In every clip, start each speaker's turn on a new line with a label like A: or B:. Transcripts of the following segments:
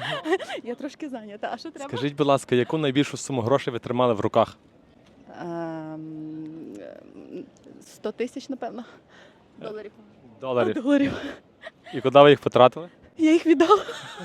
A: Я трошки зайнята. А що треба?
B: Скажіть, будь ласка, яку найбільшу суму грошей ви тримали в руках?
A: 100 тисяч, напевно. Доларів.
B: Доларів.
A: Доларів.
B: І куди ви їх потратили?
A: Я їх віддала.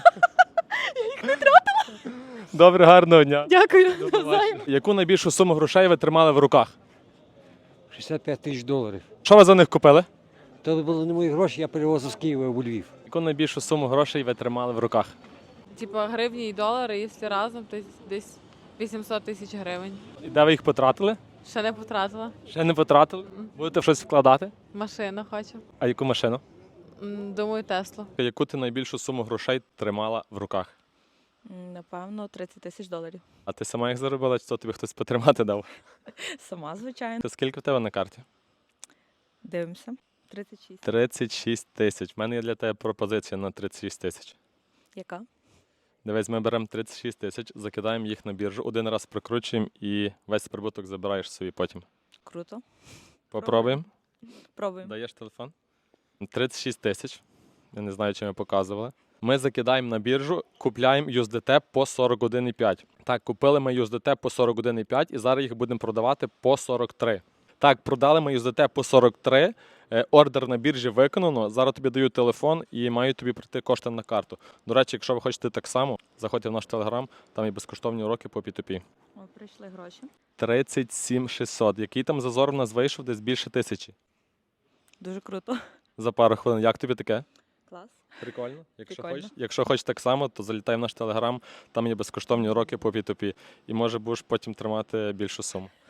B: Добре, гарного дня.
A: Дякую.
B: До побачення. Яку найбільшу суму грошей ви тримали в руках?
C: 65 тисяч доларів.
B: Що ви за них купили?
C: То були не мої гроші, я перевозив з Києва у Львів.
B: Яку найбільшу суму грошей ви тримали в руках?
D: Типа гривні і долари, якщо разом, то десь 800 тисяч гривень.
B: І де ви їх потратили?
D: Ще не потратила.
B: Ще не потратили? Будете в щось вкладати?
D: Машину хочу.
B: А яку машину?
D: Думаю, Теслу.
B: Яку ти найбільшу суму грошей тримала в руках?
E: Напевно, 30 тисяч доларів.
B: А ти сама їх заробила, чи то тобі хтось потримати дав?
E: Сама, звичайно.
B: Ти скільки в тебе на карті?
E: Дивимося. 36.
B: 36 тисяч. У мене є для тебе пропозиція на 36 тисяч.
E: Яка?
B: Дивись, ми беремо 36 тисяч, закидаємо їх на біржу, один раз прикручуємо і весь прибуток забираєш собі потім.
E: Круто.
B: Попробуємо.
E: Пробуємо.
B: Даєш телефон? 36 тисяч. Я не знаю, чи ми показували. Ми закидаємо на біржу, купляємо USDT по 41,5. Так, купили ми USDT по 41,5 і зараз їх будемо продавати по 43. Так, продали ми USDT по 43, ордер на біржі виконано, зараз тобі даю телефон і мають тобі прийти кошти на карту. До речі, якщо ви хочете так само, заходьте в наш телеграм, там є безкоштовні уроки по P2P.
E: О, прийшли гроші.
B: 37 600. Який там зазор у нас вийшов? Десь більше 1000
E: Дуже круто.
B: за пару хвилин. Як тобі таке?
E: Клас.
B: Прикольно.
E: Прикольно.
B: Якщо хочеш так само, то залітай в наш телеграм, там є безкоштовні уроки по P2P. І може будеш потім тримати більшу суму.